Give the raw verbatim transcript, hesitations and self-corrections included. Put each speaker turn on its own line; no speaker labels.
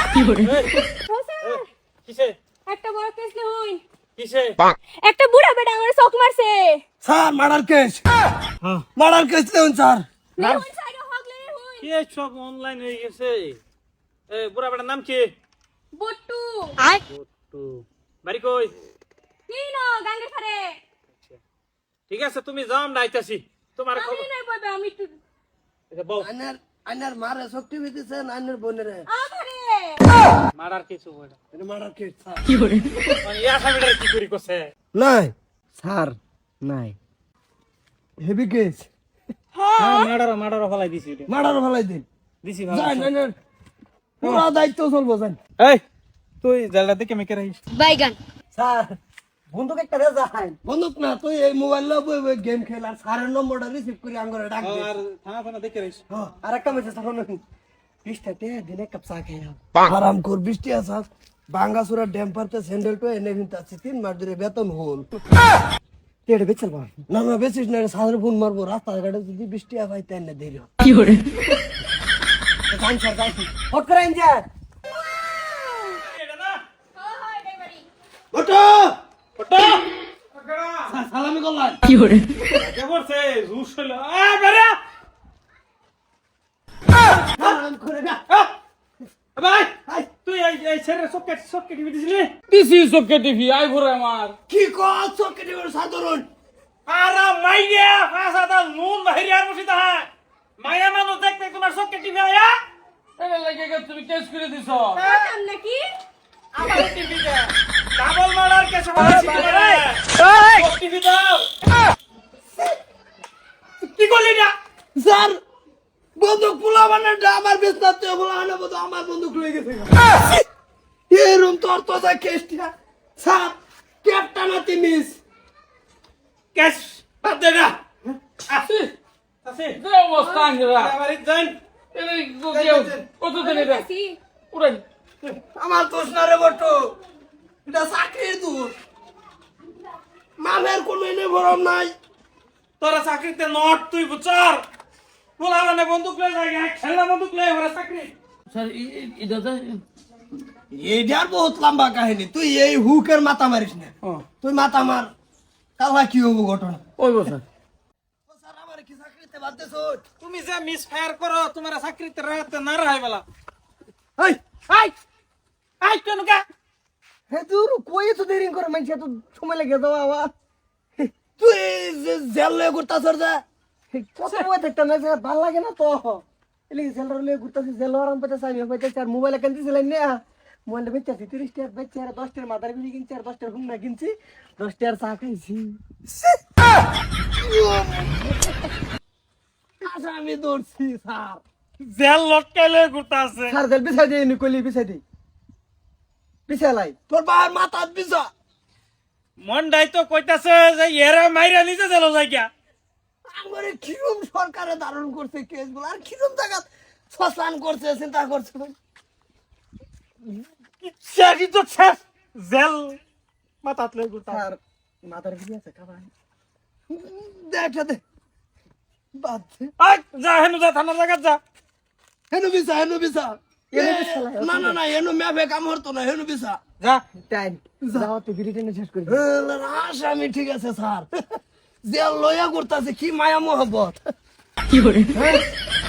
কি করে
কিসে
একটা বড় কেস লে হইন
কিসে
একটা বুড়া বেটা আমার চোখ মারছে
sir murder case murder case লেন স্যার
লে হইন সাইডে হগলে হইন
কি সব অনলাইন হয়ে গেছে এ বুড়া বেটার নাম কি
বট্টু
বট্টু বাড়ি কই
কি না গাঙ্গে ফারে
ঠিক আছে তুমি যাও আমরা আইতাছি তোমার
আমি
খবর
নাই পাবে আমি একটু
এটা বল
আইনার আইনার মারে শক্তি দিতেছেন আইনার বোনেরে
আমারে
মারার কিছু বড়
এটা মার্ডার কেস স্যার
কি করে
মানে ইয়া সামনে কি করি কছে
নাই স্যার নাই হেভি কেস
হ্যাঁ মারার মারার ফলাই দিছি এটা
মার্ডার ফলাই দিন
দিছি
যাই আইনার পুরো দায়িত্ব চলবো যান
এই তুই জালটা দেখে মেকে রাখিস
বাইগান
স্যার বন্দুক একটা রে যাই বন্দুক না তুই এই মোবাইল লো গেম খেল আর স্যারের নম্বরটা রিসিভ করে আঙ্গরে ডাক দে
আর থানা ফানা দেখে রাখিস
হ্যাঁ আর একটা মেসেজ তখন বিশটা তে দিনে কাপ চা খাই আরাম কর বৃষ্টি আসা বাঙ্গাসুরা ড্যাম পারতে স্যান্ডেল তো এনে কিন্তু আছে তিন মাস ধরে বেতন হল তেড়ে বেচল বা না না বেচিস না সাদের ফোন মারবো রাস্তা ঘাটে যদি বৃষ্টি আবাই তাই না দেরি
কি করে
কাম সর কাই হট করে যা
এটা না
হ্যাঁ হ্যাঁ এটাই বাড়ি
ওটো
ওটা
সালামি করলাম
কি করে
কে করছে জুস হলো আ বেরা
সালাম করে না
ভাই তুই এই এই ছেড়ে সকেট সকেট টিভি দিছিলি দিছি সকেট টিভি আই ঘুরে আমার
কি কর চকেটে সাধারণ
আরা মাইয়া ফাসাদা নুন বাহিরে আর বসিতা হয় মায়া মানুষ দেখতে তোমার সকেট টিভি আয়া এর লাগে গে তুমি কেস করে দিছো
কাম নাকি
আমার টিভিতে ডাবল মার্ডার কেস হয়েছে তোমারে এই টিভি দাও কি করলি না
স্যার বন্দুক পোলা মানে আমার বিস্তার তো বলা না বন্ধু আমার বন্দুক লয়ে গেছে এই রুম তোর তো যা কেসটা স্যার ক্যাপ্টেনাতি মিস
কেস বাদ দে না আসি আসি
যে অবস্থা আঙ্গরা
বাড়ি যাই
এই গোগেও কত দিন এটা
আসি
উড়াই
আমার দোষ না রে বটু এটা চাকরির দোষ মামের কোনো এনে ভরম নাই
তোরা চাকরিতে নট তুই বুচার বলা মানে বন্দুক লয়ে যাই খেলা বন্দুক লয়ে ওরা চাকরি
স্যার এটা তো
এইটার বহুত লম্বা কাহিনী তুই এই হুকের মাথা মারিস না তুই মাথা মার কালা কি হবো ঘটনা
ওই বসা
স্যার আমার কি চাকরিতে বাদ দেছ
তুমি যে মিস ফায়ার করো তোমার চাকরিতে রাখতে না রাহাই বলা
এই
আই আই কেন কা
হে তুই কই তো দেরি করে মানছে তো সময় লাগে দাও আবার তুই জেল লয়ে ঘুরতাছ যা কত বই থাকতে না ভাল লাগে না তো এলি জেল লয়ে ঘুরতাছ জেল আরাম পাইতে আমি পাইতে আর মোবাইল কেন দিছিলেন না মোবাইল বেচা তিরিশ টাকা বেচা আর দশ টাকার মাদার বিলি কিনছি আর দশ টাকার হুন্না কিনছি দশ টাকার চা খাইছি আচ্ছা আমি দৌড়ছি স্যার
জেল লটকাইলে ঘুরতে আছে
স্যার জেল বিছাই দিই নি কইলি বিছাই দিই বিছালাই তোর বাবার মাথা বিছা
মন্ডাই তো কইতাছে যে এরা মাইরা নিজে জেল যাই গিয়া
আমারে কিরম সরকারে ধারণ করছে কেসগুলো আর কিরম জায়গা শ্মশান করছে চিন্তা করছে
ইচ্ছাকি তো শেষ জেল মাথাত লই ঘুরতে
স্যার মাথার বিলি আছে খাবার দেখা দে বাদ দে
আই যা হেনু যা থানার জায়গা যা
হেনু বিছা হেনু বিছা হেনু বিছা না না না হেনু মেভে কাম হতো না হেনু বিছা
যা
টাইম যাও তো বিড়ি টেনে শেষ করি আমি ঠিক আছে স্যার জেল লইয়া করতেছে কি মায়া মোহব্বত
কি করে
হ্যাঁ